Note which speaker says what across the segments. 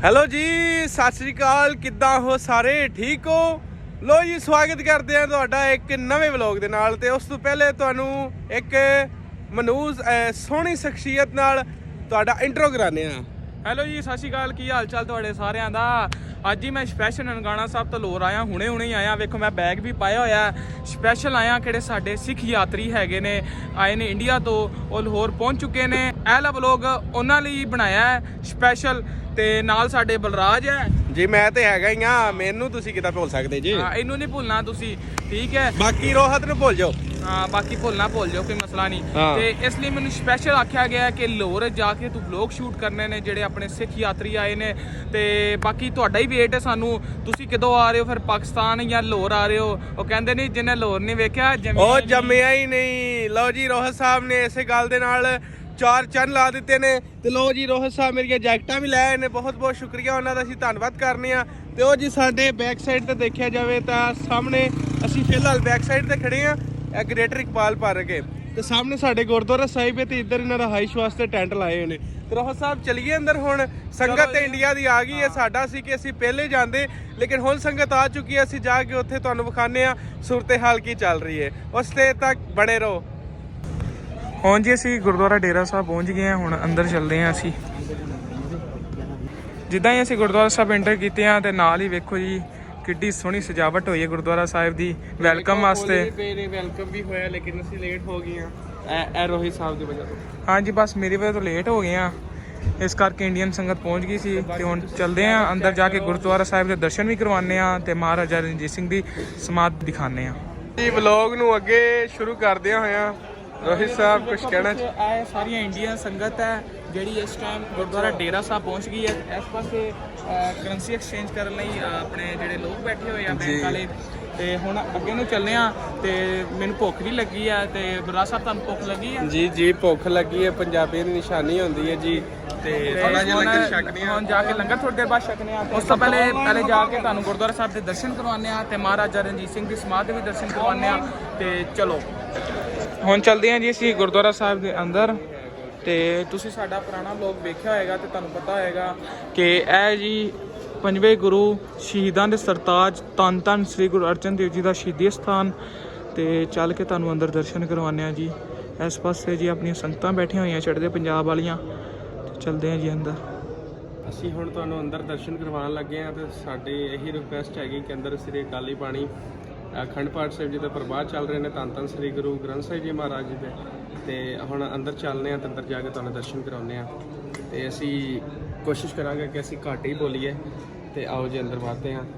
Speaker 1: Hello ਜੀ, ਸਤਿ ਸ੍ਰੀ ਅਕਾਲ। ਕਿੱਦਾਂ ਹੋ ਸਾਰੇ? ਠੀਕ ਹੋ? ਲੋ ਜੀ, ਸਵਾਗਤ ਕਰਦੇ ਆ ਤੁਹਾਡਾ ਇੱਕ ਨਵੇਂ ਵਲੌਗ ਦੇ ਨਾਲ। ਤੇ ਉਸ ਤੋਂ ਪਹਿਲੇ ਤੁਹਾਨੂੰ ਇੱਕ ਮਨੂਜ਼ ਸੋਹਣੀ ਸ਼ਖਸੀਅਤ ਨਾਲ ਤੁਹਾਡਾ ਇੰਟਰੋ ਕਰਾਉਂਦੇ ਆ।
Speaker 2: ਹੈਲੋ ਜੀ, ਸਤਿ ਸ਼੍ਰੀ ਅਕਾਲ। ਕੀ ਹਾਲ ਚਾਲ ਤੁਹਾਡੇ ਸਾਰਿਆਂ ਦਾ? ਅੱਜ ਹੀ ਮੈਂ ਸਪੈਸ਼ਲ ਨਨਕਾਣਾ ਸਾਹਿਬ ਤੋਂ ਲੋਰ ਆਇਆ, ਹੁਣੇ ਹੀ ਆਇਆ। ਵੇਖੋ ਮੈਂ ਬੈਗ ਵੀ ਪਾਇਆ ਹੋਇਆ। ਸਪੈਸ਼ਲ ਆਇਆ, ਕਿਹੜੇ ਸਾਡੇ ਸਿੱਖ ਯਾਤਰੀ ਹੈਗੇ ਨੇ, ਆਏ ਨੇ ਇੰਡੀਆ ਤੋਂ, ਉਹ ਲਾਹੌਰ ਪਹੁੰਚ ਚੁੱਕੇ ਨੇ। ਇਹ ਵਾਲਾ ਵਲੌਗ ਉਹਨਾਂ ਲਈ ਬਣਾਇਆ ਹੈ ਸਪੈਸ਼ਲ। ਤੇ ਨਾਲ ਸਾਡੇ ਬਲਰਾਜ ਹੈ
Speaker 1: ਜੀ। ਮੈਂ ਤੇ ਹੈਗਾ ਹੀ ਆ, ਮੈਨੂੰ ਤੁਸੀਂ ਕਿੱਦਾਂ ਭੁੱਲ ਸਕਦੇ ਜੀ?
Speaker 2: ਹਾਂ, ਇਹਨੂੰ ਨਹੀਂ ਭੁੱਲਣਾ ਤੁਸੀਂ, ਠੀਕ ਹੈ।
Speaker 1: ਬਾਕੀ ਰੋਹਤ ਨੂੰ ਭੁੱਲ ਜਾਓ।
Speaker 2: ਹਾਂ, ਬਾਕੀ ਭੁੱਲ ਜਾਓ, ਕੋਈ ਮਸਲਾ ਨਹੀਂ। ਤੇ ਇਸ ਲਈ ਮੈਨੂੰ ਸਪੈਸ਼ਲ ਆਖਿਆ ਗਿਆ ਕਿ ਲਾਹੌਰ ਜਾ ਕੇ ਤੂੰ ਵਲੌਗ ਸ਼ੂਟ ਕਰਨੇ ਨੇ, ਜਿਹੜੇ ਆਪਣੇ ਸਿੱਖ ਯਾਤਰੀ ਆਏ ਨੇ। ਤੇ ਬਾਕੀ ਤੁਹਾਡਾ ਹੀ ਵੇਟ ਹੈ ਸਾਨੂੰ, ਤੁਸੀਂ ਕਦੋਂ ਆ ਰਹੇ ਹੋ ਫਿਰ ਪਾਕਿਸਤਾਨ ਜਾਂ ਲਾਹੌਰ ਆ ਰਹੇ ਹੋ? ਉਹ ਕਹਿੰਦੇ ਨਹੀਂ, ਜਿਹਨੇ ਲਾਹੌਰ ਨਹੀਂ ਵੇਖਿਆ
Speaker 1: ਉਹ ਜੰਮਿਆ ਹੀ ਨਹੀਂ। ਲਓ ਜੀ, ਰੋਹਤ ਸਾਹਿਬ ਨੇ ਇਸੇ ਗੱਲ ਦੇ ਨਾਲ ਚਾਰ ਚੰਨ ਲਾ ਦਿੱਤੇ ਨੇ। ਤੇ ਲੋ ਜੀ, ਰੋਹਤ ਸਾਹਿਬ ਮੇਰੀਆਂ ਜੈਕਟਾਂ ਵੀ ਲੈ ਆਏ ਨੇ, ਬਹੁਤ ਬਹੁਤ ਸ਼ੁਕਰੀਆ ਉਹਨਾਂ ਦਾ, ਅਸੀਂ ਧੰਨਵਾਦ ਕਰਨੇ ਆ। ਤੇ ਉਹ ਜੀ ਸਾਡੇ ਬੈਕ ਸਾਈਡ ਤੇ ਦੇਖਿਆ ਜਾਵੇ ਤਾਂ ਸਾਹਮਣੇ ਅਸੀਂ ਫਿਲਹਾਲ ਬੈਕ ਸਾਈਡ ਤੇ ਖੜੇ ਆ, ਇਹ ਗ੍ਰੇਟਰ ਇਕਬਾਲ ਪਾਰਕ ਹੈ। ਤੇ ਸਾਹਮਣੇ ਸਾਡੇ ਗੁਰਦੁਆਰਾ ਸਾਹਿਬ ਹੈ ਤੇ ਇੱਧਰ ਇਹਨਾਂ ਦਾ ਹਾਈਸ਼ ਵਾਸਤੇ ਟੈਂਟ ਲਾਏ ਹੋਏ ਨੇ। ਤੇ ਰੋਹਤ ਸਾਹਿਬ ਚਲੀਏ ਅੰਦਰ ਹੁਣ। ਸੰਗਤ ਤੇ ਇੰਡੀਆ ਦੀ ਆ ਗਈ ਹੈ। ਸਾਡਾ ਸੀ ਕਿ ਅਸੀਂ ਪਹਿਲੇ ਜਾਂਦੇ, ਲੇਕਿਨ ਹੁਣ ਸੰਗਤ ਆ ਚੁੱਕੀ ਹੈ। ਅਸੀਂ ਜਾ ਕੇ ਉੱਥੇ ਤੁਹਾਨੂੰ ਵਿਖਾਉਂਦੇ ਆ ਸੂਰਤ ਹਾਲ ਕੀ ਚੱਲ ਰਹੀ ਹੈ। ਉਸ ਤੇ ਤੱਕ ਬਣੇ ਰਹੋ।
Speaker 2: ਹੁਣ ਜੀ ਅਸੀਂ ਗੁਰਦੁਆਰਾ ਡੇਰਾ ਸਾਹਿਬ ਪਹੁੰਚ ਗਏ ਹਾਂ। ਹੁਣ ਅੰਦਰ ਚੱਲਦੇ ਹਾਂ ਅਸੀਂ। ਜਿੱਦਾਂ ਹੀ ਅਸੀਂ ਗੁਰਦੁਆਰਾ ਸਾਹਿਬ ਐਂਟਰ ਕੀਤੇ ਹਾਂ ਤੇ ਨਾਲ ਹੀ ਵੇਖੋ ਜੀ ਕਿੱਡੀ ਸੋਹਣੀ ਸਜਾਵਟ ਹੋਈ ਹੈ ਗੁਰਦੁਆਰਾ ਸਾਹਿਬ ਦੀ ਵੈਲਕਮ ਵਾਸਤੇ।
Speaker 1: ਵੈਲਕਮ ਵੀ ਹੋਇਆ, ਲੇਕਿਨ ਅਸੀਂ ਲੇਟ ਹੋ ਗਏ ਹਾਂ ਇਹ ਰੋਹਿਤ ਸਾਹਿਬ ਦੀ ਵਜ੍ਹਾ ਤੋਂ।
Speaker 2: ਹਾਂਜੀ, ਬਸ ਮੇਰੀ ਵਜ੍ਹਾ ਤੋਂ ਲੇਟ ਹੋ ਗਏ ਹਾਂ, ਇਸ ਕਰਕੇ ਇੰਡੀਅਨ ਸੰਗਤ ਪਹੁੰਚ ਗਈ ਸੀ। ਤੇ ਹੁਣ ਚੱਲਦੇ ਹਾਂ ਅੰਦਰ, ਜਾ ਕੇ ਗੁਰਦੁਆਰਾ ਸਾਹਿਬ ਦੇ ਦਰਸ਼ਨ ਵੀ ਕਰਵਾਉਂਦੇ ਹਾਂ ਤੇ ਮਹਾਰਾਜਾ ਰਣਜੀਤ ਸਿੰਘ ਦੀ ਸਮਾਧ ਦਿਖਾਉਂਦੇ ਹਾਂ
Speaker 1: ਜੀ। ਵਲੌਗ ਨੂੰ ਅੱਗੇ ਸ਼ੁਰੂ ਕਰਦਿਆਂ ਹੋਇਆਂ ਰੋਹਿਤ ਸਾਹਿਬ ਕੁਝ ਕਹਿਣਾ?
Speaker 2: ਇਹ ਸਾਰੀਆਂ ਇੰਡੀਅਨ ਸੰਗਤ ਹੈ ਜਿਹੜੀ ਇਸ ਟਾਈਮ ਗੁਰਦੁਆਰਾ ਡੇਰਾ ਸਾਹਿਬ ਪਹੁੰਚ ਗਈ ਹੈ। ਇਸ ਪਾਸੇ ਕਰੰਸੀ ਐਕਸਚੇਂਜ ਕਰਨ ਲਈ ਆਪਣੇ ਜਿਹੜੇ ਲੋਕ ਬੈਠੇ ਹੋਏ ਆ ਬੈਂਕ ਵਾਲੇ। ਤੇ ਹੁਣ ਅੱਗੇ ਨੂੰ ਚੱਲਦੇ ਆ। ਤੇ ਮੈਨੂੰ ਭੁੱਖ ਵੀ ਲੱਗੀ ਆ। ਤੇ ਬਲਰਾਜ ਸਾਹਿਬ, ਤੁਹਾਨੂੰ ਭੁੱਖ ਲੱਗੀ ਆ?
Speaker 1: ਜੀ ਜੀ, ਭੁੱਖ ਲੱਗੀ ਹੈ, ਪੰਜਾਬੀ ਦੀ ਨਿਸ਼ਾਨੀ ਹੁੰਦੀ ਹੈ ਜੀ। ਤੇ ਥੋੜਾ ਜਿਹਾ ਲੰਗਰ ਛਕਦੇ ਆ।
Speaker 2: ਹੁਣ ਜਾ ਕੇ ਲੰਗਰ ਥੋੜੀ ਦੇਰ ਬਾਅਦ ਛਕਨੇ ਆ। ਉਸ ਤੋਂ ਪਹਿਲੇ ਜਾ ਕੇ ਤੁਹਾਨੂੰ ਗੁਰਦੁਆਰਾ ਸਾਹਿਬ ਦੇ ਦਰਸ਼ਨ ਕਰਵਾਉਂਦੇ ਆ ਤੇ ਮਹਾਰਾਜਾ ਰਣਜੀਤ ਸਿੰਘ ਦੀ ਸਮਾਧ ਦੇ ਵੀ ਦਰਸ਼ਨ ਕਰਵਾਉਂਦੇ ਆ। ਤੇ ਚਲੋ ਹੁਣ ਚੱਲਦੇ ਹਾਂ ਜੀ ਅਸੀਂ ਗੁਰਦੁਆਰਾ ਸਾਹਿਬ ਦੇ ਅੰਦਰ। ਤੇ ਤੁਸੀਂ ਸਾਡਾ ਪੁਰਾਣਾ ਵਲੌਗ ਵੇਖਿਆ ਹੋਏਗਾ ਤੇ ਤੁਹਾਨੂੰ ਪਤਾ ਹੋਏਗਾ ਕਿ ਇਹ ਜੀ ਪੰਜਵੇਂ ਗੁਰੂ ਸ਼ਹੀਦਾਂ ਦੇ ਸਰਤਾਜ ਧੰਨ ਧੰਨ ਸ੍ਰੀ ਗੁਰੂ ਅਰਜਨ ਦੇਵ ਜੀ ਦਾ ਸ਼ਹੀਦੀ ਸਥਾਨ। ਤੇ ਚੱਲ ਕੇ ਤੁਹਾਨੂੰ ਅੰਦਰ ਦਰਸ਼ਨ ਕਰਵਾਉਂਦੇ ਆ ਜੀ। ਇਸ ਪਾਸੇ ਜੀ ਆਪਣੀਆਂ ਸੰਗਤਾਂ ਬੈਠੀਆਂ ਹੋਈਆਂ ਚੜ੍ਹਦੇ ਪੰਜਾਬ ਵਾਲੀਆਂ। ਤੇ ਚੱਲਦੇ ਹਾਂ ਜੀ ਅੰਦਰ।
Speaker 1: ਅਸੀਂ ਹੁਣ ਤੁਹਾਨੂੰ ਅੰਦਰ ਦਰਸ਼ਨ ਕਰਵਾਉਣ ਲੱਗੇ ਹਾਂ। ਤੇ ਸਾਡੀ ਇਹੀ ਰਿਕੁਐਸਟ ਹੈਗੀ ਕਿ ਅੰਦਰ ਸ੍ਰੀ ਅਕਾਲੀ ਬਾਣੀ ਅਖੰਡ ਪਾਠ ਸਾਹਿਬ ਜੀ ਦੇ ਪ੍ਰਵਾਦ ਚੱਲ ਰਹੇ ਨੇ, ਧੰਨ ਧੰਨ ਸ੍ਰੀ ਗੁਰੂ ਗ੍ਰੰਥ ਸਾਹਿਬ ਜੀ ਮਹਾਰਾਜ ਜੀ ਦੇ। ਤੇ ਹੁਣ ਅੰਦਰ ਚੱਲਦੇ ਹਾਂ ਤੇ ਅੰਦਰ ਜਾ ਕੇ ਤੁਹਾਨੂੰ ਦਰਸ਼ਨ ਕਰਾਉਂਦੇ ਹਾਂ। ਤੇ ਅਸੀਂ ਕੋਸ਼ਿਸ਼ ਕਰਾਂਗੇ ਕਿ ਅਸੀਂ ਘੱਟ ਹੀ ਬੋਲੀਏ। ਤੇ ਆਓ ਜੀ ਅੰਦਰ ਵਧਦੇ ਹਾਂ।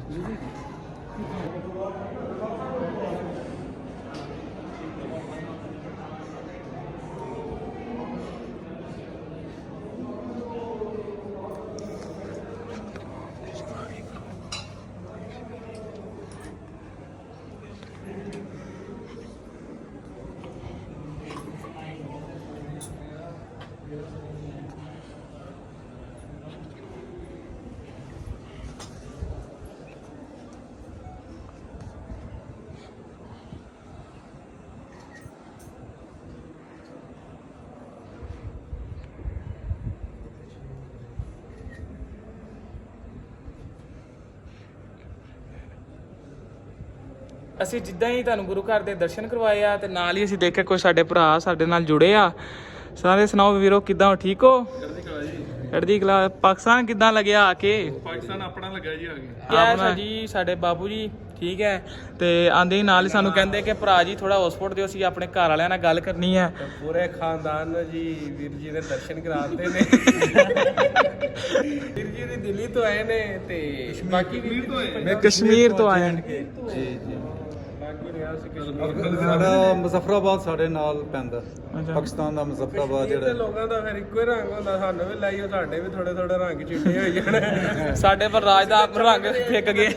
Speaker 2: ਅਸੀਂ ਜਿੱਦਾਂ ਹੀ ਤੁਹਾਨੂੰ ਗੁਰੂ ਘਰ ਦੇ ਦਰਸ਼ਨ ਕਰਵਾਏ ਆ ਤੇ ਨਾਲ ਹੀ ਅਸੀਂ ਦੇਖਿਆ ਕੋਈ ਸਾਡੇ ਭਰਾ ਸਾਡੇ ਨਾਲ ਜੁੜੇ ਆ। ਸਾਰੇ ਸੁਣਾਓ ਵੀਰੋ, ਕਿੱਦਾਂ ਹੋ? ਠੀਕ ਹੋ? ਚੜ੍ਹਦੀ ਕਲਾ। ਪਾਕਿਸਤਾਨ ਕਿੱਦਾਂ ਲੱਗਿਆ ਆ ਕੇ?
Speaker 1: ਪਾਕਿਸਤਾਨ ਆਪਣਾ ਲੱਗਾ ਜੀ ਆ ਕੇ।
Speaker 2: ਕਿਆ ਜੀ ਸਾਡੇ ਬਾਬੂ ਜੀ, ਠੀਕ ਹੈ। ਤੇ ਆਂਦੇ ਹੀ ਨਾਲ ਹੀ ਸਾਨੂੰ ਕਹਿੰਦੇ ਕਿ ਭਰਾ ਜੀ ਥੋੜਾ ਹੌਸਪੋਰਟ ਦਿਓ, ਅਸੀਂ ਆਪਣੇ ਘਰ ਵਾਲਿਆਂ ਨਾਲ ਗੱਲ ਕਰਨੀ ਹੈ।
Speaker 1: ਪੂਰੇ ਖਾਨਦਾਨ ਨੂੰ ਜੀ ਵੀਰ ਜੀ ਦੇ ਦਰਸ਼ਨ ਕਰਾਉਂਦੇ ਨੇ। ਵੀਰ ਜੀ ਦੀ ਦਿੱਲੀ ਤੋਂ ਆਏ ਨੇ ਤੇ ਬਾਕੀ
Speaker 2: ਮੈਂ ਕਸ਼ਮੀਰ ਤੋਂ ਆਇਆ।
Speaker 3: ਜੀ ਜੀ ਸਾਡਾ ਮੁਜ਼ੱਫਰਾਬਾਦ ਸਾਡੇ ਨਾਲ ਪੈਂਦਾ, ਪਾਕਿਸਤਾਨ ਦਾ ਮੁਜ਼ੱਫਰਾਬਾਦ ਜਿਹੜਾ।
Speaker 1: ਲੋਕਾਂ ਦਾ ਫਿਰ ਇੱਕੋ ਹੀ ਰੰਗ ਹੁੰਦਾ, ਸਾਨੂੰ ਵੀ ਲਾਈਓ, ਸਾਡੇ ਵੀ ਥੋੜੇ ਥੋੜੇ ਰੰਗ ਚਿੱਟੇ ਹੋਈ ਜਾਣੇ।
Speaker 2: ਸਾਡੇ ਪਰ ਰਾਜ ਦਾ ਰੰਗ ਫਿੱਕ ਗਏ।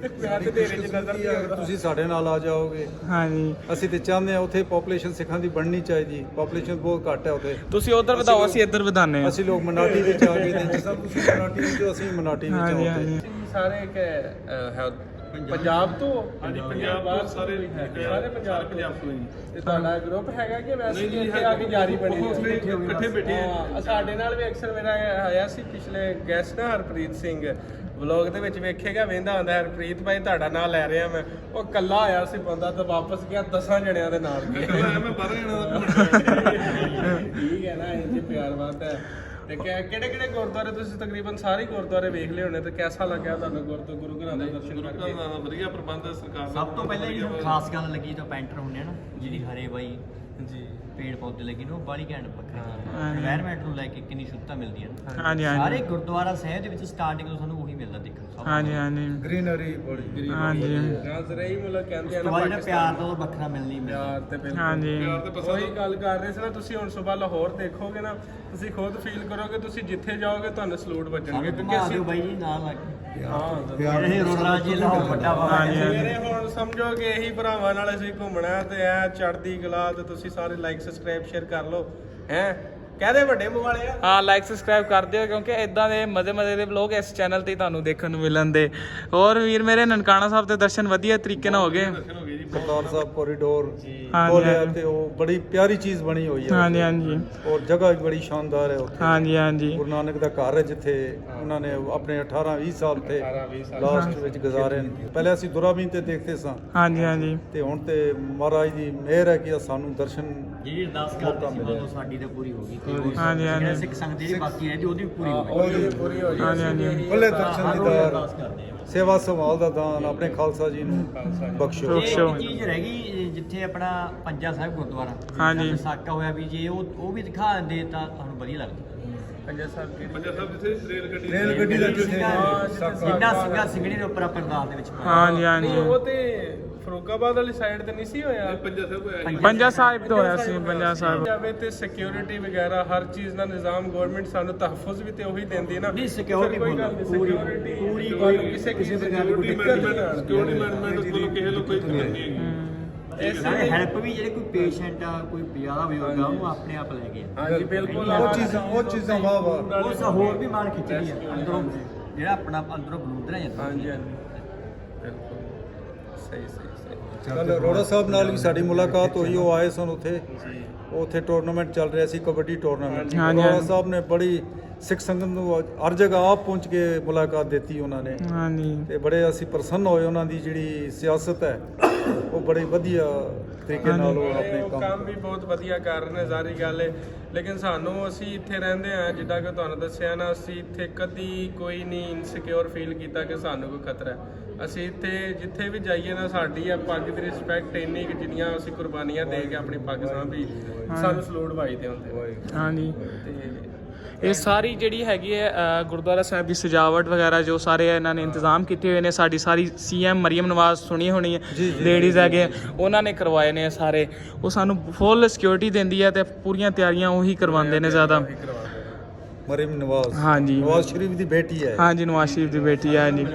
Speaker 3: ਤੁਸੀਂ ਸਾਡੇ ਨਾਲ ਆ ਜਾਓਗੇ।
Speaker 2: ਹਾਂਜੀ,
Speaker 3: ਅਸੀਂ ਤੇ ਚਾਹੁੰਦੇ ਹਾਂ ਉੱਥੇ ਪੋਪੂਲੇਸ਼ਨ ਸਿੱਖਾਂ ਦੀ ਬਣਨੀ ਚਾਹੀਦੀ। ਪੋਪੂਲੇਸ਼ਨ ਬਹੁਤ ਘੱਟ ਹੈ ਉੱਥੇ।
Speaker 2: ਤੁਸੀਂ ਉਧਰ ਵਧਾਓ, ਅਸੀਂ ਇੱਧਰ ਵਧਾਉਂਦੇ ਹਾਂ।
Speaker 3: ਅਸੀਂ ਲੋਕ ਮਨਾਟੀ ਵਿੱਚ ਆ ਗਏ ਤੇ ਜਿਸ ਤਰ੍ਹਾਂ ਤੁਸੀਂ ਮਨਾਟੀ ਵਿੱਚ ਹੋ, ਅਸੀਂ ਮਨਾਟੀ ਵਿੱਚ ਆਉਂਦੇ।
Speaker 1: ਸਾਰੇ ਇੱਕ ਪੰਜਾਬ ਤੋਂ? ਹਾਂਜੀ ਪੰਜਾਬ ਬਾਹਰ ਸਾਰੇ ਪੰਜਾਬ ਤੋਂ ਜੀ। ਤੇ ਤੁਹਾਡਾ ਗਰੁੱਪ ਹੈਗਾ ਕਿ ਵੈਸੇ ਹੀ ਇੱਥੇ ਆ ਕੇ ਜਾਰੀ ਬਣੀ ਇਕੱਠੇ ਬੈਠੇ ਆ? ਸਾਡੇ ਨਾਲ ਵੀ ਅਕਸਰ ਮੇਰਾ ਆਇਆ ਸੀ ਪਿਛਲੇ ਗੈਸਟ ਨਾ ਹਰਪ੍ਰੀਤ ਸਿੰਘ, ਵਲੌਗ ਦੇ ਵਿੱਚ ਵੇਖੇਗਾ ਵੇਂਦਾ ਹੁੰਦਾ ਹਰਪ੍ਰੀਤ ਭਾਈ ਤੁਹਾਡਾ ਨਾਂ ਲੈ ਰਿਹਾ ਮੈਂ, ਉਹ ਕੱਲਾ ਆਇਆ ਸੀ ਬੰਦਾ ਤੇ ਵਾਪਸ ਗਿਆ 10 ਜਣਿਆਂ ਦੇ ਨਾਲ ਗਿਆ ਮੈਂ 12 ਜਣਿਆਂ ਦਾ ਠੀਕ ਹੈ ਨਾ, ਇਹ ਪਿਆਰ ਬਾਤ ਹੈ। ਤੇ ਕਿਹੜੇ ਕਿਹੜੇ ਗੁਰਦੁਆਰੇ ਤੁਸੀਂ ਤਕਰੀਬਨ ਸਾਰੇ ਗੁਰਦੁਆਰੇ ਵੇਖ ਲਏ ਹੋਣੇ, ਤੇ ਕਿਹਦਾ ਲੱਗਿਆ ਤੁਹਾਨੂੰ ਗੁਰੂ ਘਰਾਂ ਦੇ ਦਰਸ਼ਨ ਕਰਕੇ?
Speaker 4: ਵਧੀਆ ਪ੍ਰਬੰਧ ਸਰਕਾਰ
Speaker 5: ਸਭ ਤੋਂ ਪਹਿਲਾਂ ਜਿਹੜੀ ਖਾਸ ਗੱਲ ਲੱਗੀ ਜਦੋਂ ਪੈਂਟਰ ਹੁੰਦੇ ਆ ਨਾ, ਜਿਹੜੀ ਹਰੇ ਬਾਈ
Speaker 1: ਜੀ
Speaker 5: ਪੇੜ ਪੌਦੇ ਲੱਗੇ ਨੇ, ਉਹ ਬਾਲੀ ਘੈਂਟ ਵੱਖਰਾ এনवायरमेंट ਨੂੰ ਲੈ ਕੇ ਕਿੰਨੀ ਸ਼ੁੱਧਤਾ ਮਿਲਦੀ ਹੈ ਨਾ।
Speaker 2: ਹਾਂਜੀ
Speaker 5: ਸਾਰੇ ਗੁਰਦੁਆਰਾ ਸਾਹਿਬ ਦੇ ਵਿੱਚ ਸਟਾਰਟਿੰਗ ਤੋਂ ਸਾਨੂੰ ਉਹੀ ਮਿਲਦਾ ਦੇਖਣ ਨੂੰ।
Speaker 2: ਹਾਂਜੀ ਹਾਂਜੀ
Speaker 3: ਗ੍ਰੀਨਰੀ ਬੜੀ
Speaker 2: ਹਾਂਜੀ
Speaker 1: ਨਾਜ਼ਰੀ ਮੁਲਕ ਕਹਿੰਦੇ ਆ
Speaker 5: ਉਸ
Speaker 1: ਨਾ
Speaker 5: ਤੋਂ ਬਾਅਦ ਜਿਹੜਾ
Speaker 1: ਪਾਕਿਸਤਾਨ
Speaker 5: ਪਿਆਰ ਦਾ ਉਹ ਵੱਖਰਾ ਮਿਲਣੀ ਮਿਲਦਾ।
Speaker 1: ਪਿਆਰ ਤੇ ਬਿਲਕੁਲ
Speaker 2: ਹਾਂਜੀ
Speaker 1: ਉਹੀ ਗੱਲ ਕਰ ਰਹੇ ਸੀ ਨਾ, ਤੁਸੀਂ ਹੁਣ ਸਵੇਰ ਲਾਹੌਰ ਦੇਖੋਗੇ ਨਾ, ਤੁਸੀਂ ਖੁਦ ਫੀਲ ਕਰੋਗੇ ਤੁਸੀਂ ਜਿੱਥੇ ਜਾਓਗੇ ਤੁਹਾਨੂੰ ਸਲੂਟ ਵੱਜਣਗੇ,
Speaker 5: ਸਾਨੂੰ
Speaker 1: ਕਿਉਂਕਿ
Speaker 5: ਘੁਮਾ
Speaker 1: ਅਸੀਂ
Speaker 5: ਦਿਓ ਬਾਈ ਜੀ ਨਾਲ ਲੱਗ ਕੇ।
Speaker 1: ਹਾਂ
Speaker 5: ਇਹ ਰੋੜਾ ਜੀ ਲਾਹੌਰ ਵੱਡਾ ਵਾ।
Speaker 1: ਮੇਰੇ ਹੁਣ ਸਮਝੋ ਕਿ ਇਹੀ ਭਰਾਵਾਂ ਨਾਲ ਅਸੀਂ ਘੁੰਮਣਾ ਤੇ ਐ ਚੜ੍ਹਦੀ ਕਲਾ, ਤੇ ਤੁਸੀਂ ਸਾਰੇ ਲਾਈਕ ਸਬਸਕ੍ਰਾਈਬ ਸ਼ੇਅਰ ਕਰ ਲਓ ਹੈ, ਕਹਦੇ ਵੱਡੇ ਮੂੰਹ ਵਾਲੇ ਆ।
Speaker 2: ਹਾਂ ਲਾਈਕ ਸਬਸਕ੍ਰਾਈਬ ਕਰ ਦਿਓ, ਕਿਉਂਕਿ ਇਦਾਂ ਦੇ ਮਜ਼ੇ ਦੇ ਵਲੋਗ ਇਸ ਚੈਨਲ ਤੇ ਤੁਹਾਨੂੰ ਦੇਖਣ ਨੂੰ ਮਿਲਣ ਦੇ। ਹੋਰ ਵੀਰ ਮੇਰੇ ਨਨਕਾਣਾ ਸਾਹਿਬ ਦੇ ਦਰਸ਼ਨ ਵਧੀਆ ਤਰੀਕੇ ਨਾਲ ਹੋ ਗਏ।
Speaker 3: ਕਰਤਾਰ ਸਾਹਿਬ ਕੋਰੀਡੋਰ
Speaker 2: ਹਾਂਜੀ,
Speaker 3: ਖੋਲਿਆ ਤੇ ਉਹ ਬੜੀ ਪਿਆਰੀ ਚੀਜ਼ ਬਣੀ ਹੋਈ ਹੈ
Speaker 2: ਹਾਂਜੀ ਹਾਂਜੀ
Speaker 3: ਔਰ ਜਗ੍ਹਾ ਵੀ ਬੜੀ ਸ਼ਾਨਦਾਰ ਹੈ ਉੱਥੇ।
Speaker 2: ਹਾਂਜੀ ਹਾਂਜੀ
Speaker 3: ਗੁਰੂ ਨਾਨਕ ਦਾ ਘਰ ਹੈ ਜਿੱਥੇ ਉਹਨਾਂ ਨੇ ਆਪਣੇ 18-20 ਸਾਲ ਤੇ ਲਾਸਟ ਵਿੱਚ ਗੁਜ਼ਾਰੇ ਨੇ। ਪਹਿਲੇ ਅਸੀਂ ਦੁਰਾਬੀਨ ਤੇ ਦੇਖਦੇ ਸਾਂ,
Speaker 2: ਹਾਂਜੀ ਹਾਂਜੀ
Speaker 3: ਤੇ ਹੁਣ ਤੇ ਮਹਾਰਾਜ ਦੀ ਮਿਹਰ ਹੈ ਕਿ ਸਾਨੂੰ ਦਰਸ਼ਨ
Speaker 5: ਜਿਹੜੀ ਅਰਦਾਸ ਕਰਦੇ ਸੀ ਉਦੋਂ ਸਾਡੀ ਤਾਂ ਪੂਰੀ ਹੋ ਗਈ।
Speaker 2: ਹਾਂਜੀ, ਹਾਂਜੀ।
Speaker 5: ਜਿਹੜੇ ਸਿੱਖ ਸੰਗਤ ਜਿਹੜੀ ਬਾਕੀ ਰਹਿੰਦੀ ਉਹਦੀ ਵੀ ਪੂਰੀ ਹੋ ਗਈ।
Speaker 1: ਪੂਰੀ ਹੋ
Speaker 2: ਹਾਂਜੀ ਹਾਂਜੀ
Speaker 3: ਭਲੇ ਦਰਸ਼ਨ ਦੀਦਾਰ,
Speaker 5: ਅਰਦਾਸ ਕਰਦੇ ਆ।
Speaker 3: ਸੇਵਾ ਸੰਭਾਲ ਦਾ ਦਾਨ ਆਪਣੇ ਖਾਲਸਾ ਜੀ ਨੂੰ ਬਖਸ਼ੋ।
Speaker 5: ਇਹ ਇੱਕ ਚੀਜ਼ ਰਹਿ ਗਈ ਜਿੱਥੇ ਆਪਣਾ ਪੰਜਾ ਸਾਹਿਬ ਗੁਰਦੁਆਰਾ
Speaker 2: ਹਾਂਜੀ।
Speaker 5: ਸਾਕਾ ਹੋਇਆ ਵੀ ਜੇ ਉਹ ਵੀ ਦਿਖਾ ਦਿੰਦੇ ਤਾਂ ਤੁਹਾਨੂੰ ਵਧੀਆ ਲੱਗਦਾ।
Speaker 1: ਪੰਜਾ ਸਾਹਿਬ
Speaker 4: ਜਿੱਥੇ
Speaker 3: ਰੇਲ ਗੱਡੀ ਦਾ ਜਿੱਥੇ
Speaker 5: ਜਿੰਨਾ ਸਿੰਘਾ ਸਿੰਘਣੀ ਦੇ ਉੱਪਰ ਅਰਦਾਸ ਦੇ ਵਿੱਚ ਪਾਇਆ।
Speaker 2: ਹਾਂਜੀ ਹਾਂਜੀ
Speaker 1: ਨਹੀਂ ਉਹ ਤੇ ਫਰੂਕਾਬਾਦ ਵਾਲੀ ਸਾਈਡ ਤੇ ਨਹੀਂ ਸੀ ਹੋਇਆ?
Speaker 2: ਪੰਜਾ ਸਾਹਿਬ ਤੋਂ ਹੋਇਆ ਸੀ, ਪੰਜਾ ਸਾਹਿਬ
Speaker 1: ਜਾਵੇ ਤੇ ਸਿਕਿਉਰਿਟੀ ਵਗੈਰਾ ਹਰ ਚੀਜ਼ ਦਾ ਨਿਜ਼ਾਮ ਗਵਰਨਮੈਂਟ ਸਾਨੂੰ ਤਹਫੁਜ਼ ਵੀ ਤੇ ਉਹੀ ਦਿੰਦੀ ਹੈ ਨਾ।
Speaker 5: ਨਹੀਂ ਸਿਕਿਉਰਿਟੀ
Speaker 1: ਕੋਈ ਗੱਲ ਨਹੀਂ,
Speaker 5: ਪੂਰੀ
Speaker 1: security
Speaker 5: ਪੂਰੀ
Speaker 1: ਕੋਈ ਕਿਸੇ ਪ੍ਰਕਾਰ ਦੀ ਕੋਈ ਦਿੱਕਤ ਨਹੀਂ ਆਉਣੀ।
Speaker 4: ਸਿਕਿਉਰਿਟੀ ਮੈਨੇਜਮੈਂਟ ਕੋਲ ਕਿਸੇ ਨੂੰ ਕੋਈ ਦਿੱਕਤ ਨਹੀਂ ਹੈਗੀ।
Speaker 5: ਨਾਲੇ ਹੈਲਪ ਵੀ ਜਿਹੜੇ ਕੋਈ ਪੇਸ਼ੈਂਟ ਆ ਕੋਈ ਜ਼ਿਆਦਾ ਬਜ਼ੁਰਗ ਆ ਉਹਨੂੰ ਆਪਣੇ ਆਪ ਲੈ ਗਏ।
Speaker 1: ਹਾਂਜੀ ਬਿਲਕੁਲ
Speaker 3: ਉਹ ਚੀਜ਼ਾਂ ਵਾਹ ਵਾਹ।
Speaker 5: ਉਹ ਹੋਰ ਵੀ ਮਾਰ ਖਿੱਚਦੀ ਆ ਅੰਦਰੋਂ, ਜਿਹੜਾ ਆਪਣਾ ਅੰਦਰੋਂ ਬਲੂਦ ਰਹਿ ਜਾਂਦਾ।
Speaker 1: ਹਾਂਜੀ ਹਾਂਜੀ ਬਿਲਕੁਲ ਸਹੀ ਸਹੀ ਸਹੀ।
Speaker 3: ਕੱਲ ਰੋੜਾ ਸਾਹਿਬ ਨਾਲ ਵੀ ਸਾਡੀ ਮੁਲਾਕਾਤ ਹੋਈ, ਉਹ ਆਏ ਸਨ ਉੱਥੇ। ਉੱਥੇ ਟੂਰਨਾਮੈਂਟ ਚੱਲ ਰਿਹਾ ਸੀ, ਕਬੱਡੀ ਟੂਰਨਾਮੈਂਟ।
Speaker 2: ਹਾਂਜੀ,
Speaker 3: ਰੋੜਾ
Speaker 2: ਹਾਂਜੀ।
Speaker 3: ਸਾਹਿਬ ਨੇ ਬੜੀ ਸਿੱਖ ਸੰਗਤ ਨੂੰ ਹਰ ਜਗ੍ਹਾ ਆਪ ਪਹੁੰਚ ਕੇ ਮੁਲਾਕਾਤ ਦਿੱਤੀ ਉਹਨਾਂ ਨੇ,
Speaker 2: ਹਾਂਜੀ
Speaker 3: ਤੇ ਬੜੇ ਅਸੀਂ ਪ੍ਰਸੰਨ ਹੋਏ। ਉਹਨਾਂ ਦੀ ਜਿਹੜੀ ਸਿਆਸਤ ਹੈ ਉਹ ਬੜੀ ਵਧੀਆ ਤਰੀਕੇ ਨਾਲ ਉਹ ਆਪਣੇ
Speaker 1: ਉਹ ਕੰਮ ਵੀ ਬਹੁਤ ਵਧੀਆ ਕਰ ਰਹੇ ਨੇ, ਜ਼ਾਰੀ ਗੱਲ ਹੈ। ਲੇਕਿਨ ਸਾਨੂੰ ਅਸੀਂ ਇੱਥੇ ਰਹਿੰਦੇ ਆ, ਜਿੱਦਾਂ ਕਿ ਤੁਹਾਨੂੰ ਦੱਸਿਆ ਨਾ, ਅਸੀਂ ਇੱਥੇ ਕਦੀ ਕੋਈ ਨਹੀਂ ਇਨਸਿਕਿਉਰ ਫੀਲ ਕੀਤਾ ਕਿ ਸਾਨੂੰ ਕੋਈ ਖਤਰਾ ਹੈ। ਅਸੀਂ ਇੱਥੇ ਜਿੱਥੇ ਵੀ ਜਾਈਏ ਨਾ, ਸਾਡੀ ਆ ਪੱਗ ਦੀ ਰਿਸਪੈਕਟ ਇੰਨੀ ਕਿ ਜਿੰਨੀਆਂ ਅਸੀਂ ਕੁਰਬਾਨੀਆਂ ਦੇ ਕੇ ਆਪਣੀ ਪੱਗ ਸਾਂਭੀ, ਸਾਨੂੰ ਸਲੂਟ ਵਾਈਦੇ ਹੁੰਦੇ।
Speaker 2: ਹਾਂਜੀ
Speaker 1: ਤੇ
Speaker 2: ਇਹ ਸਾਰੀ ਜਿਹੜੀ ਹੈਗੀ ਹੈ ਗੁਰਦੁਆਰਾ ਸਾਹਿਬ ਦੀ ਸਜਾਵਟ ਵਗੈਰਾ ਜੋ ਸਾਰੇ ਇਹਨਾਂ ਨੇ ਇੰਤਜ਼ਾਮ ਕੀਤੇ ਹੋਏ ਨੇ, ਸਾਡੀ ਸਾਰੀ ਸੀਐਮ ਮਰੀਮ ਨਵਾਜ਼ ਸੁਣੀ ਹੋਣੀ ਹੈ, ਲੇਡੀਜ਼ ਹੈਗੇ ਉਹਨਾਂ ਨੇ ਕਰਵਾਏ ਨੇ ਸਾਰੇ। ਉਹ ਸਾਨੂੰ ਫੁੱਲ ਸਿਕਿਉਰਿਟੀ ਦਿੰਦੀ ਹੈ ਤੇ ਪੂਰੀਆਂ ਤਿਆਰੀਆਂ ਉਹੀ ਕਰਵਾਉਂਦੇ ਨੇ ਜ਼ਿਆਦਾ।
Speaker 3: ਮਰੀਮ ਨਵਾਜ਼,
Speaker 2: ਹਾਂਜੀ
Speaker 3: ਨਵਾਜ਼ ਸ਼ਰੀਫ ਦੀ ਬੇਟੀ ਹੈ।
Speaker 2: ਹਾਂਜੀ ਨਵਾਜ਼ ਸ਼ਰੀਫ ਦੀ ਬੇਟੀ ਹੈ ਜੀ।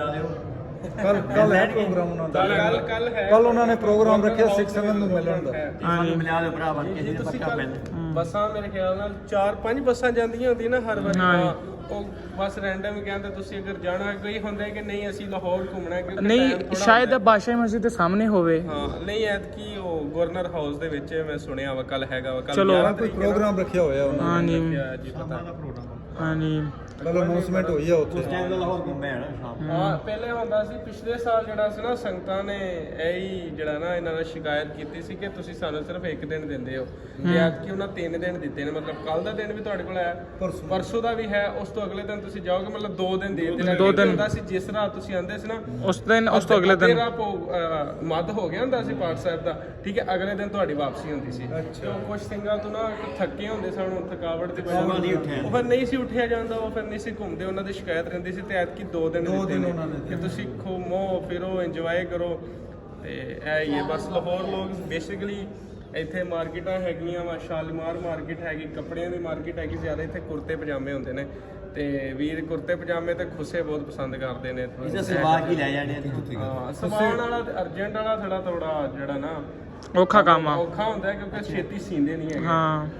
Speaker 3: ਕੱਲ ਹੈ ਪ੍ਰੋਗਰਾਮ ਉਹਨਾਂ ਦਾ। ਕੱਲ ਉਹਨਾਂ ਨੇ ਪ੍ਰੋਗਰਾਮ ਰੱਖਿਆ ਸਿੱਖ ਸੰਗਤ ਨੂੰ ਮਿਲਣ ਦਾ।
Speaker 5: ਸਾਨੂੰ ਮਿਲਾ ਦਿਓ ਭਰਾਵਾ, ਕਿਸੇ ਦੇ ਪੱਕਾ ਪੈਨ।
Speaker 1: ਬੱਸਾਂ ਮੇਰੇ ਖਿਆਲ ਨਾਲ 4-5 ਬੱਸਾਂ ਜਾਂਦੀਆਂ ਹੁੰਦੀਆਂ ਨਾ ਹਰ ਵਾਰੀ। ਉਹ ਬਸ ਰੈਂਡਮ ਕਹਿੰਦੇ ਤੁਸੀਂ ਅਗਰ ਜਾਣਾ, ਕੋਈ ਹੁੰਦਾ ਕਿ ਨਹੀਂ ਅਸੀਂ ਲਾਹੌਰ ਘੁੰਮਣਾ ਹੈ, ਕਿਉਂਕਿ
Speaker 2: ਨਹੀਂ
Speaker 1: time ਥੋੜ੍ਹਾ
Speaker 2: ਸ਼ਾਇਦ ਬਾਦਸ਼ਾਹੀ ਮਸਜਿਦ ਦੇ ਸਾਹਮਣੇ ਹੋਵੇ।
Speaker 1: ਹਾਂ ਨਹੀਂ ਐਤਕੀ ਉਹ ਗਵਰਨਰ ਹਾਊਸ ਦੇ ਵਿੱਚ ਮੈਂ ਸੁਣਿਆ ਵਾ ਕੱਲ ਹੈਗਾ ਵਾ। ਕੱਲ
Speaker 2: ਚਲੋ।
Speaker 3: ਕੋਈ ਪ੍ਰੋਗਰਾਮ ਰੱਖਿਆ ਹੋਇਆ ਉਹਨਾਂ
Speaker 2: ਹਾਂਜੀ
Speaker 1: ਜੀ ਪਤਾ।
Speaker 2: ਹਾਂਜੀ
Speaker 3: ਨੇ। ਕੱਲ ਅਨਾਉਂਸਮੈਂਟ ਹੋਈ ਆ ਉੱਥੇ।
Speaker 5: ਉਸ ਟਾਈਮ ਦਾ ਲਾਹੌਰ ਘੁੰਮਿਆ ਨਾ ਸ਼ਾਮ ਨੂੰ।
Speaker 1: ਹਾਂ ਪਹਿਲੇ ਹੁੰਦਾ ਸੀ, ਪਿਛਲੇ ਸਾਲ ਜਿਹੜਾ ਸੀ ਨਾ, ਸੰਗਤਾਂ ਨੇ ਇਹੀ ਜਿਹੜਾ ਨਾ ਇਹਨਾਂ ਨੇ ਸ਼ਿਕਾਇਤ ਕੀਤੀ ਸੀ ਕਿ ਤੁਸੀਂ ਸਾਨੂੰ ਸਿਰਫ 1 ਦਿਨ ਦਿੰਦੇ ਹੋ, ਤੇ ਐਤਕੀ ਉਹਨਾਂ 3 ਦਿਨ ਦਿੱਤੇ ਨੇ। ਮਤਲਬ ਕੱਲ ਦਾ ਦਿਨ ਵੀ ਤੁਹਾਡੇ ਕੋਲ ਹੈ, ਪਰਸੋਂ ਦਾ ਵੀ ਹੈ, ਉਸ ਤੋਂ ਅਗਲੇ ਦਿਨ ਤੁਸੀਂ ਜਾਓਗੇ, ਮਤਲਬ 2 ਦਿਨ ਦੇ ਦਿੱਤੇ।
Speaker 2: 2 ਦਿਨ
Speaker 1: ਹੁੰਦਾ ਸੀ ਜਿਸ ਰਾਤ ਤੁਸੀਂ ਆਂਦੇ ਸੀ ਨਾ,
Speaker 2: ਉਸ ਦਿਨ, ਉਸ ਤੋਂ ਅਗਲੇ ਦਿਨ
Speaker 1: ਮੱਧ ਹੋ ਗਿਆ ਹੁੰਦਾ ਸੀ ਪਾਠ ਸਾਹਿਬ ਦਾ, ਠੀਕ ਹੈ, ਅਗਲੇ ਦਿਨ ਤੁਹਾਡੀ ਵਾਪਸੀ ਹੁੰਦੀ ਸੀ। ਤੇ ਉਹ ਕੁਝ ਸਿੰਘਾਂ ਤੋਂ ਨਾ ਥੱਕੇ ਹੁੰਦੇ ਸਨ, ਥਕਾਵਟ ਦੀ ਵਜ੍ਹਾ ਨਾਲ ਉਹ ਫਿਰ ਨਹੀਂ ਸੀ ਉੱਠਿਆ ਜਾਂਦਾ, ਉਹ ਫਿਰ ਨਹੀਂ ਸੀ ਘੁੰਮਦੇ, ਉਹਨਾਂ ਦੀ ਸ਼ਿਕਾਇਤ ਰਹਿੰਦੀ ਸੀ। ਤੇ ਐਤਕੀ 2 ਦਿਨ ਦਿੱਤੇ ਨੇ ਕਿ ਤੁਸੀਂ ਘੁੰਮੋ ਫਿਰੋ, ਇੰਜੋਏ ਕਰੋ। ਤੇ ਇਹ ਹੀ ਹੈ ਬਸ। ਲਾਹੌਰ ਲੋਕ ਬੇਸਿਕਲੀ ਇੱਥੇ ਮਾਰਕੀਟਾਂ ਹੈਗੀਆਂ ਵਾ, ਸ਼ਾਲੀਮਾਰ ਮਾਰਕੀਟ ਹੈਗੀ, ਕੱਪੜਿਆਂ ਦੀ ਮਾਰਕੀਟ ਹੈਗੀ, ਜ਼ਿਆਦਾ ਇੱਥੇ ਕੁਰਤੇ ਪਜਾਮੇ ਹੁੰਦੇ ਨੇ। ਤੇ ਵੀਰ ਕੁਰਤੇ ਪਜਾਮੇ ਤੇ ਖੁੱਸੇ ਬਹੁਤ ਪਸੰਦ ਕਰਦੇ ਨੇ।
Speaker 5: ਇਹਦਾ ਸਲਵਾਰ ਕੀ ਲੈ ਜਾਣੇ ਆ।
Speaker 1: ਹਾਂ ਸਮਾਨ ਵਾਲਾ ਅਰਜੈਂਟ ਵਾਲਾ ਥੋੜਾ ਜਿਹੜਾ ਨਾ
Speaker 2: ਔਖਾ ਕੰਮ ਆ।
Speaker 1: ਔਖਾ ਹੁੰਦਾ ਕਿਉਂਕਿ ਛੇਤੀ ਸੀਂਦੇ ਨਹੀਂ ਹੈਗੇ।
Speaker 2: ਹਾਂ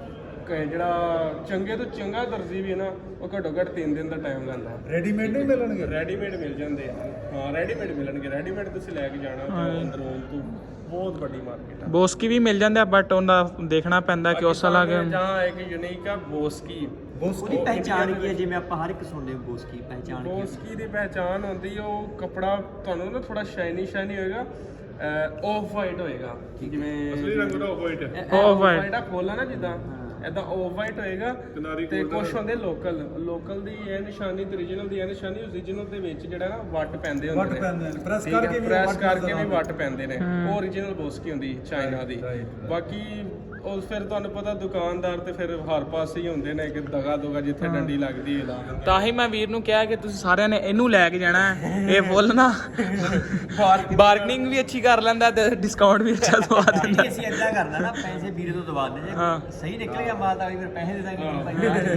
Speaker 1: ਜਿਹੜਾ ਚੰਗੇ ਤੋਂ ਚੰਗਾ ਦਰਜੀ ਵੀ ਹੈ ਨਾ ਉਹ ਘੱਟੋ ਘੱਟ 3 ਦਿਨ ਦਾ ਟਾਈਮ ਲੈਂਦਾ।
Speaker 3: ਰੈਡੀਮੇਡ ਨਹੀਂ ਮਿਲਣਗੇ?
Speaker 1: ਰੈਡੀਮੇਡ ਮਿਲ ਜਾਂਦੇ ਆ, ਹਾਂ ਰੈਡੀਮੇਡ ਮਿਲਣਗੇ। ਰੈਡੀਮੇਡ ਤੁਸੀਂ ਲੈ ਕੇ ਜਾਣਾ ਤੇ ਅੰਦਰੋਂ ਤੋਂ ਬਹੁਤ ਵੱਡੀ ਮਾਰਕੀਟ ਆ।
Speaker 2: ਬੋਸਕੀ ਵੀ ਮਿਲ ਜਾਂਦੇ ਆ ਬਟ ਉਹਦਾ ਦੇਖਣਾ ਪੈਂਦਾ ਕਿ ਉਸ ਅਲੱਗ
Speaker 1: ਜਹਾਂ ਇੱਕ ਯੂਨੀਕ ਆ ਬੋਸਕੀ।
Speaker 5: ਉਹਦੀ ਪਹਿਚਾਣ ਕੀ ਹੈ? ਜਿਵੇਂ ਆਪਾਂ ਹਰ ਇੱਕ ਸੁਣਦੇ ਬੋਸਕੀ ਪਹਿਚਾਣ ਕੀ ਹੈ?
Speaker 1: ਬੋਸਕੀ ਦੀ ਪਹਿਚਾਣ ਹੁੰਦੀ ਉਹ ਕੱਪੜਾ ਤੁਹਾਨੂੰ ਨਾ ਥੋੜਾ ਸ਼ਾਈਨੀ ਹੋਏਗਾ, ਆਫ ਵਾਈਟ ਹੋਏਗਾ, ਜਿਵੇਂ
Speaker 4: ਅਸਲੀ ਰੰਗ ਦਾ ਵਾਈਟ ਹੈ।
Speaker 2: Off white।
Speaker 1: ਵਾਈਟ ਆ ਖੋਲਣਾ ਨਾ ਜਿੱਦਾਂ ਇਦਾਂ ਆਫ ਵਾਈਟ ਹੋਏਗਾ।
Speaker 4: ਕਿਨਾਰੀ
Speaker 1: ਤੇ
Speaker 4: golden
Speaker 1: ਕੁਛ ਹੁੰਦੇ ਲੋਕਲ ਦੀ ਇਹ ਨਿਸ਼ਾਨੀ ਤੇ ਓਰੀਜਨਲ ਦੀ ਇਹ ਨਿਸ਼ਾਨੀ। ਓਰੀਜਨਲ ਦੇ ਵਿੱਚ ਜਿਹੜਾ ਨਾ ਵੱਟ ਪੈਂਦੇ ਹੁੰਦੇ
Speaker 3: ਵੱਟ ਪੈਂਦੇ ਨੇ, ਪ੍ਰੈਸ
Speaker 1: ਠੀਕ ਹੈ,
Speaker 3: ਕਰਕੇ ਵੀ
Speaker 1: ਪ੍ਰੈਸ
Speaker 3: ਵੱਟ
Speaker 1: ਕਰਕੇ ਵੀ
Speaker 3: ਨਜ਼ਰ
Speaker 1: ਵੱਟ ਪੈਂਦੇ ਨੇ। ਉਹ ਓਰੀਜਨਲ ਬੋਸਕੀ ਹੁੰਦੀ ਚਾਈਨਾ ਦੀ। ਬਾਕੀ ਉਹ ਫਿਰ ਤੁਹਾਨੂੰ ਪਤਾ ਦੁਕਾਨਦਾਰ ਤੇ ਫਿਰ ਹਰ ਪਾਸੇ ਹੀ ਹੁੰਦੇ ਨੇ ਕਿ ਦਗਾ ਜਿੱਥੇ ਡੰਡੀ ਲੱਗਦੀ ਹੈ ਲਾ ਦਿੰਦੇ।
Speaker 2: ਤਾਂ ਹੀ ਮੈਂ ਵੀਰ ਨੂੰ ਕਿਹਾ ਕਿ ਤੁਸੀਂ ਸਾਰਿਆਂ ਨੇ ਇਹਨੂੰ ਲੈ ਕੇ ਜਾਣਾ ਹੈ। ਇਹ ਫੁੱਲ ਨਾ ਬਾਰਗਨਿੰਗ ਵੀ ਅੱਛੀ ਕਰ ਲੈਂਦਾ ਤੇ ਡਿਸਕਾਊਂਟ ਵੀ ਅੱਛਾ ਦਵਾ ਦਿੰਦਾ।
Speaker 5: ਅਸੀਂ ਏਦਾਂ ਕਰਨਾ ਨਾ, ਪੈਸੇ ਵੀਰੇ ਤੋਂ ਦਵਾ ਦੇ।
Speaker 2: ਹਾਂ।
Speaker 5: ਜੇ ਸਹੀ ਨਿਕਲ ਗਿਆ ਮਾਲ ਤਾਂ ਫਿਰ ਪੈਸੇ ਦੇ ਦਾਂਗੇ ਭਾਈ।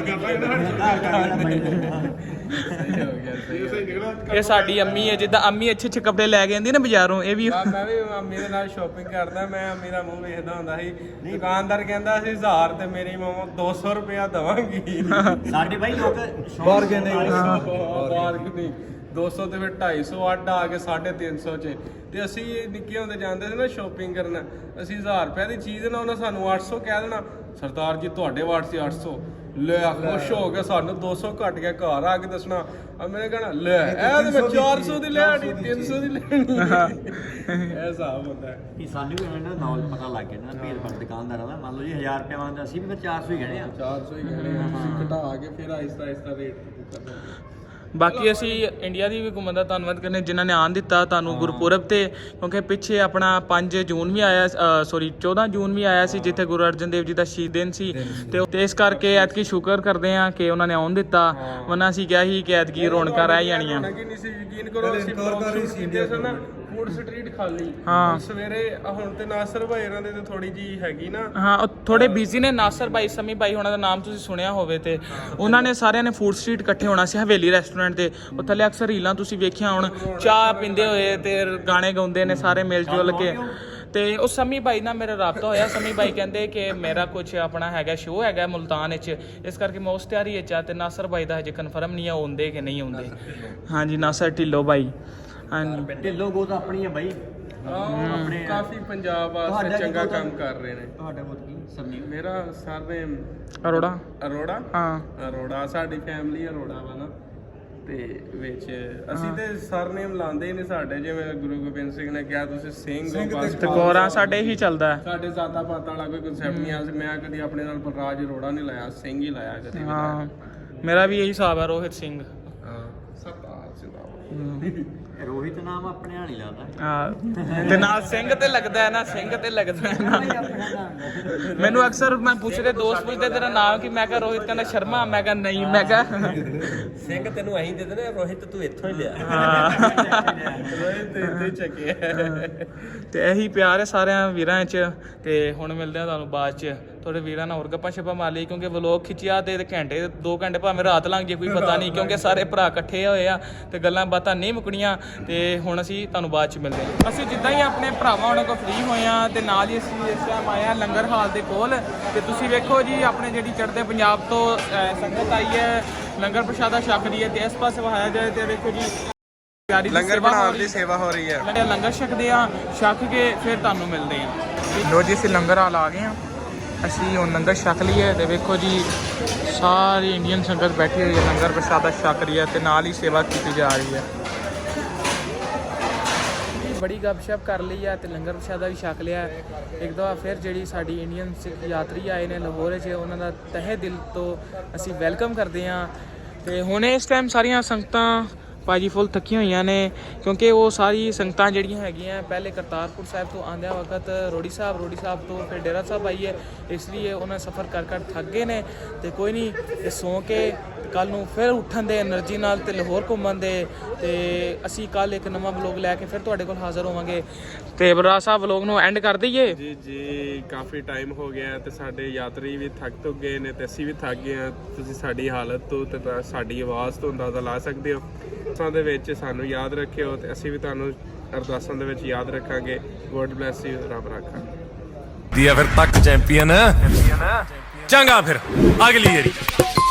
Speaker 1: ਸਹੀ ਹੋ ਗਿਆ, ਸਹੀ ਹੋ ਗਿਆ।
Speaker 2: ਇਹ ਸਾਡੀ ਅੰਮੀ ਹੈ, ਜਿੱਦਾਂ ਅੰਮੀ ਅੱਛੇ ਅੱਛੇ ਕੱਪੜੇ ਲੈ ਕੇ ਆਉਂਦੀ ਨਾ ਬਾਜ਼ਾਰੋਂ, ਇਹ ਵੀ
Speaker 1: ਮੈਂ ਵੀ ਅੰਮੀ ਦੇ ਨਾਲ ਸ਼ਾਪਿੰਗ ਕਰਦਾ। ਮੈਂ ਅੰਮੀ ਦਾ ਮੂੰਹ ਵੇਖਦਾ ਹੁੰਦਾ ਸੀ। ਦੁਕਾਨਦਾਰ ਕਹਿੰਦਾ ਸੀ 1000 ਤੇ ਮੇਰੀ ਮਾਮਾ 200 ਰੁਪਇਆ ਦਵਾਂਗੀ।
Speaker 5: ਸਾਡੇ ਭਾਈ ਲੋਕ
Speaker 3: Bargaining।
Speaker 1: ਬਾਰਗੇਨਿੰਗ 200 ਤੇ ਫਿਰ 250 ਅੱਡ ਆ ਕੇ 350 ਚ। ਤੇ ਅਸੀਂ ਨਿੱਕੇ ਹੁੰਦੇ ਜਾਂਦੇ ਸੀ ਨਾ ਸ਼ਾਪਿੰਗ ਕਰਨ, ਅਸੀਂ 1000 ਰੁਪਏ ਦੀ ਚੀਜ਼ ਨਾ ਉਹਨਾਂ ਸਾਨੂੰ 800 ਕਹਿ ਦੇਣਾ। ਸਰਦਾਰ ਜੀ ਤੁਹਾਡੇ ਵਾਟ ਸੀ 800। ਲੈ ਖੁਸ਼ ਹੋ ਕੇ ਸਾਨੂੰ 200 ਘੱਟ ਗਿਆ, ਘਰ ਆ ਕੇ ਦੱਸਣਾ। ਮੈਨੇ ਕਹਿਣਾ ਲੈ ਇਹ ਤੇ ਮੈਂ 400 ਦੀ ਲੈਣੀ, 300 ਦੀ ਲੈਣੀ। ਇਹ ਹਿਸਾਬ ਹੁੰਦਾ ਹੈ।
Speaker 5: ਕਿ ਸਾਨੂੰ ਵੀ ਇਹਨਾਂ ਦਾ ਨੌਲੇਜ ਪਤਾ ਲੱਗ ਗਿਆ ਨਾ ਭੇਦ ਭਾਵ ਦੁਕਾਨਦਾਰਾਂ ਦਾ। ਮੰਨ ਲਓ ਜੀ 1000 ਰੁਪਏ ਮੰਗਦਾ, ਅਸੀਂ ਵੀ ਫਿਰ 400 ਹੀ ਕਹਿਣੇ ਆ।
Speaker 1: 400 ਹੀ ਕਹਿਣੇ ਆ, ਅਸੀਂ ਘਟਾ ਕੇ ਫਿਰ ਆਹਿਸਤਾ ਰੇਟ ਕਰਨਾ।
Speaker 2: ਬਾਕੀ ਅਸੀਂ ਇੰਡੀਆ ਦੀ ਵੀ ਘੁੰਮਣ ਦਾ ਧੰਨਵਾਦ ਕਰਨੇ ਜਿਨ੍ਹਾਂ ਨੇ ਆਉਣ ਦਿੱਤਾ ਤੁਹਾਨੂੰ ਗੁਰਪੁਰਬ ਤੇ, ਕਿਉਂਕਿ ਪਿੱਛੇ ਆਪਣਾ 5 ਜੂਨ ਵੀ ਆਇਆ, 14 ਜੂਨ ਵੀ ਆਇਆ ਸੀ ਜਿੱਥੇ ਗੁਰੂ ਅਰਜਨ ਦੇਵ ਜੀ ਦਾ ਸ਼ਹੀਦ ਦਿਨ ਸੀ। ਤੇ ਇਸ ਕਰਕੇ ਐਤਕੀ ਸ਼ੁਕਰ ਕਰਦੇ ਆ ਕਿ ਉਹਨਾਂ ਨੇ ਆਉਣ ਦਿੱਤਾ, ਵਰਨਾ ਅਸੀਂ ਕਿਹਾ ਸੀ ਕਿ ਐਤਕੀ ਰੌਣਕਾਂ ਰਹਿ ਜਾਣੀਆਂ।
Speaker 1: ਨਹੀਂ ਸੀ, ਯਕੀਨ ਕਰੋ ਅਸੀਂ ਕੀਤੇ ਸਨ ਨਾ ਫੂਡ ਸਟਰੀਟ ਖਾਲੀ।
Speaker 2: ਹਾਂ।
Speaker 1: ਸਵੇਰੇ ਹੁਣ ਤੇ ਨਾਸਰ ਭਾਈ ਇਹਨਾਂ ਦੇ ਤੇ ਥੋੜੀ ਜੀ ਹੈਗੀ ਨਾ।
Speaker 2: ਹਾਂ ਉਹ ਥੋੜੇ ਬਿਜ਼ੀ ਨੇ। ਨਾਸਰ ਭਾਈ, ਸਮੀ ਭਾਈ ਉਹਨਾਂ ਦਾ ਨਾਮ ਤੁਸੀਂ ਸੁਣਿਆ ਹੋਵੇ ਤੇ ਉਹਨਾਂ ਨੇ ਸਾਰਿਆਂ ਨੇ ਫੂਡ ਸਟਰੀਟ ਇਕੱਠੇ ਹੋਣਾ ਸੀ ਹਵੇਲੀ ਰੈਸਟੋਰੈਂਟ ਤੇ। ਉਹ ਥੱਲੇ ਅਕਸਰ ਰੀਲਾਂ ਤੁਸੀਂ ਵੇਖਿਆ ਹੁਣ, ਚਾਹ ਪੀਂਦੇ ਹੋਏ ਤੇ ਗਾਣੇ ਗਾਉਂਦੇ ਨੇ ਸਾਰੇ ਮਿਲ ਜੁਲ ਕੇ। ਤੇ ਉਹ ਸਮੀ ਭਾਈ ਨਾਲ ਮੇਰਾ ਰਾਬਤਾ ਹੋਇਆ। ਸਮੀ ਭਾਈ ਕਹਿੰਦੇ ਕਿ ਮੇਰਾ ਕੁਝ ਆਪਣਾ ਹੈਗਾ ਸ਼ੋਅ ਹੈਗਾ ਮੁਲਤਾਨ ਵਿੱਚ, ਇਸ ਕਰਕੇ ਮੈਂ ਉਸ ਤਿਆਰੀ ਵਿੱਚ ਆ। ਤੇ ਨਾਸਰ ਭਾਈ ਦਾ ਹਜੇ ਕਨਫਰਮ ਨਹੀਂ ਆ ਆਉਂਦੇ ਕਿ ਨਹੀਂ ਆਉਂਦੇ। ਹਾਂਜੀ ਨਾਸਰ ਢਿੱਲੋਂ ਭਾਈ। ਹਾਂਜੀ
Speaker 5: ਢਿੱਲੋਂ ਗੋ ਤਾਂ ਆਪਣੀ ਹੈ ਬਾਈ।
Speaker 1: ਆਪਣੇ ਕਾਫੀ ਪੰਜਾਬ ਵਾਸਤੇ ਚੰਗਾ ਕੰਮ ਕਰ ਰਹੇ ਨੇ।
Speaker 5: ਤੁਹਾਡਾ ਬਹੁਤ ਕੀ ਸਮਝੀ?
Speaker 1: ਮੇਰਾ ਸਰਨੇਮ
Speaker 2: ਅਰੋੜਾ।
Speaker 1: ਅਰੋੜਾ।
Speaker 2: ਹਾਂ
Speaker 1: ਅਰੋੜਾ ਸਾਡੀ ਫੈਮਿਲੀ ਅਰੋੜਾ ਵਾ ਨਾ। ਤੇ ਵਿੱਚ ਅਸੀਂ ਤੇ ਸਰਨੇਮ ਲਾਉਂਦੇ ਹੀ ਨੇ ਸਾਡੇ, ਜਿਵੇਂ ਗੁਰੂ ਗੋਬਿੰਦ ਸਿੰਘ ਨੇ ਕਿਹਾ ਤੁਸੀਂ ਸਿੰਘ ਹੋ ਬਸ।
Speaker 2: ਤੇ ਗੋਰਾ ਸਾਡੇ ਹੀ ਚੱਲਦਾ ਹੈ।
Speaker 1: ਸਾਡੇ ਜ਼ਾਤਾ ਪਾਤਾਂ ਵਾਲਾ ਕੋਈ ਕਨਸੈਪਟ ਨਹੀਂ ਆ। ਮੈਂ ਕਦੀ ਆਪਣੇ ਨਾਲ ਬਲਰਾਜ ਅਰੋੜਾ ਨਹੀਂ ਲਾਇਆ, ਸਿੰਘ ਹੀ ਲਾਇਆ ਕਦੀ ਵੀ।
Speaker 2: ਹਾਂ ਮੇਰਾ ਵੀ ਇਹੀ ਹਿਸਾਬ ਹੈ, ਰੋਹਿਤ ਸਿੰਘ।
Speaker 1: ਹਾਂ ਸਰਦਾਰ ਜਿੰਦਾਬਾਦ।
Speaker 5: ਰੋਹਿਤ ਨਾਮ ਆਪਣੇ ਨਾਲ ਹੀ ਲਾਦਾ।
Speaker 2: ਹਾਂ ਤੇ ਨਾਲ ਸਿੰਘ ਤੇ ਲੱਗਦਾ ਹੈ ਨਾ, ਸਿੰਘ ਤੇ ਲੱਗਦਾ ਹੈ ਨਾ।
Speaker 5: ਆਪਣਾ ਨਾਮ
Speaker 2: ਮੈਨੂੰ ਅਕਸਰ ਮੈਂ ਪੁੱਛਦੇ ਦੋਸਤ ਪੁੱਛਦੇ ਤੇਰਾ ਨਾਮ ਕੀ, ਮੈਂ ਕਿਹਾ ਰੋਹਿਤ, ਕਹਿੰਦਾ ਸ਼ਰਮਾ, ਮੈਂ ਕਿਹਾ ਨਹੀਂ, ਮੈਂ ਕਿਹਾ
Speaker 5: ਸਿੰਘ ਤੈਨੂੰ ਐਂ ਦੇ ਦੇਣਾ, ਰੋਹਿਤ ਤੂੰ ਇੱਥੋਂ ਹੀ ਲਿਆ।
Speaker 1: ਰੋਹਿਤ ਤੇ ਚੱਕਿਆ।
Speaker 2: ਤੇ ਇਹੀ ਪਿਆਰ ਹੈ ਸਾਰਿਆਂ ਵੀਰਾਂ 'ਚ। ਤੇ ਹੁਣ ਮਿਲਦੇ ਆ ਤੁਹਾਨੂੰ ਬਾਅਦ 'ਚ ਤੁਹਾਡੇ ਵੀਰਾਂ ਨਾਲ ਹੋਰ ਗੱਪਾਂ ਛੱਪਾਂ ਮਾਰ ਲਈ, ਕਿਉਂਕਿ ਵਲੋਗ ਖਿੱਚਿਆ ਤੇ ਘੰਟੇ 2 ਘੰਟੇ ਭਾਵੇਂ ਰਾਤ ਲੰਘ ਜੇ ਕੋਈ ਪਤਾ ਨਹੀਂ, ਕਿਉਂਕਿ ਸਾਰੇ ਭਰਾ ਇਕੱਠੇ ਹੋਏ ਆ ਤੇ ਗੱਲਾਂ ਬਾਤਾਂ ਨਹੀਂ ਮੁੱਕਣੀਆਂ। ਤੇ ਹੁਣ ਅਸੀਂ ਤੁਹਾਨੂੰ ਬਾਅਦ 'ਚ ਮਿਲਦੇ ਹਾਂ। ਅਸੀਂ ਜਿੱਦਾਂ ਹੀ ਆਪਣੇ ਭਰਾਵਾਂ ਉਹਨਾਂ ਕੋਲ ਫ੍ਰੀ ਹੋਏ ਆ ਤੇ ਨਾਲ ਹੀ ਅਸੀਂ ਇਸ ਟਾਈਮ ਆਏ ਆ ਲੰਗਰ ਹਾਲ ਦੇ ਕੋਲ। ਤੇ ਤੁਸੀਂ ਵੇਖੋ ਜੀ ਆਪਣੇ ਜਿਹੜੀ ਚੜ੍ਹਦੇ ਪੰਜਾਬ ਤੋਂ ਸੰਗਤ ਆਈ ਹੈ ਲੰਗਰ ਪ੍ਰਸ਼ਾਦਾ ਛਕ ਰਹੀ ਹੈ। ਤੇ ਇਸ ਪਾਸੇ ਵਹਾਇਆ ਜਾਏ ਤੇ ਵੇਖੋ ਜੀ
Speaker 1: ਲੰਗਰ ਬਣਾਉਣ ਦੀ ਸੇਵਾ ਹੋ ਰਹੀ ਹੈ।
Speaker 2: ਲੰਗਰ ਛਕਦੇ ਆ, ਛਕ ਕੇ ਫਿਰ ਤੁਹਾਨੂੰ ਮਿਲਦੇ ਆ। ਲੋ ਜੀ ਅਸੀਂ ਲੰਗਰ ਹਾਲ ਆ ਗਏ ਆ। ਅਸੀਂ ਹੁਣ ਲੰਗਰ ਛਕ ਲਈਏ ਤੇ ਵੇਖੋ ਜੀ ਸਾਰੀ ਇੰਡੀਅਨ ਸੰਗਤ ਬੈਠੀ ਹੋਈ ਹੈ, ਲੰਗਰ ਪ੍ਰਸ਼ਾਦਾ ਛਕ ਰਹੀ ਹੈ ਤੇ ਨਾਲ ਹੀ ਸੇਵਾ ਕੀਤੀ ਜਾ ਰਹੀ ਹੈ। ਬੜੀ ਗੱਪਸ਼ਪ ਕਰ ਲਈ ਹੈ ਤੇ ਲੰਗਰ ਪ੍ਰਸ਼ਾਦਾ ਵੀ ਛਕ ਲਿਆ। ਇੱਕ ਦਫਾ ਫਿਰ ਜਿਹੜੀ ਸਾਡੀ ਇੰਡੀਅਨ ਸਿੱਖ ਯਾਤਰੀ ਆਏ ਨੇ ਲਾਹੌਰ 'ਚ, ਉਹਨਾਂ ਦਾ ਤਹਿ ਦਿਲ ਤੋਂ ਅਸੀਂ ਵੈਲਕਮ ਕਰਦੇ ਹਾਂ। ਤੇ ਹੁਣ ਇਸ ਟਾਈਮ ਸਾਰੀਆਂ ਸੰਗਤਾਂ ਭਾਜੀ ਫੁੱਲ ਥੱਕੀਆਂ ਹੋਈਆਂ ਨੇ, ਕਿਉਂਕਿ ਉਹ ਸਾਰੀ ਸੰਗਤਾਂ ਜਿਹੜੀਆਂ ਹੈਗੀਆਂ ਪਹਿਲੇ ਕਰਤਾਰਪੁਰ ਸਾਹਿਬ ਤੋਂ ਆਉਂਦਿਆਂ ਵਕਤ ਰੋੜੀ ਸਾਹਿਬ ਤੋਂ ਫਿਰ ਡੇਰਾ ਸਾਹਿਬ ਆਈਏ, ਇਸ ਲਈ ਉਹਨਾਂ ਸਫ਼ਰ ਕਰ ਥੱਕ ਗਏ ਨੇ। ਤੇ ਕੋਈ ਨਹੀਂ, ਤੇ ਸੌਂ ਕੇ ਕੱਲ ਨੂੰ ਫਿਰ ਉੱਠਣ ਦੇ એનર્ਜੀ ਨਾਲ ਤੇ ਲਾਹੌਰ ਘੁੰਮਣ ਦੇ। ਤੇ ਅਸੀਂ ਕੱਲ ਇੱਕ ਨਵਾਂ ਵਲੋਗ ਲੈ ਕੇ ਫਿਰ ਤੁਹਾਡੇ ਕੋਲ ਹਾਜ਼ਰ ਹੋਵਾਂਗੇ। ਤੇ ਬਰਾ ਸਾਹਿਬ ਵਲੋਗ ਨੂੰ ਐਂਡ ਕਰ ਦਈਏ।
Speaker 1: ਜੀ ਕਾਫੀ ਟਾਈਮ ਹੋ ਗਿਆ ਤੇ ਸਾਡੇ ਯਾਤਰੀ ਵੀ ਥੱਕ ਗਏ ਨੇ ਤੇ ਅਸੀਂ ਵੀ ਥੱਕ ਗਏ ਹਾਂ। ਤੁਸੀਂ ਸਾਡੀ ਹਾਲਤ ਤੋਂ ਤੇ ਸਾਡੀ ਆਵਾਜ਼ ਤੋਂ ਅੰਦਾਜ਼ਾ ਲਾ ਸਕਦੇ ਹੋ। ਅਰਦਾਸਾਂ ਦੇ ਵਿੱਚ ਸਾਨੂੰ ਯਾਦ ਰੱਖਿਓ ਤੇ ਅਸੀਂ ਵੀ ਤੁਹਾਨੂੰ ਅਰਦਾਸਾਂ ਦੇ ਵਿੱਚ ਯਾਦ ਰੱਖਾਂਗੇ। ਗੋਡ ਬਲੈਸ ਯੂ, ਰੱਬ ਰਾਖਾ।
Speaker 6: ਫਿਰ ਤੱਕ ਚੈਂਪੀਅਨ ਚੰਗਾ ਫਿਰ ਅਗਲੀ ਵਾਰੀ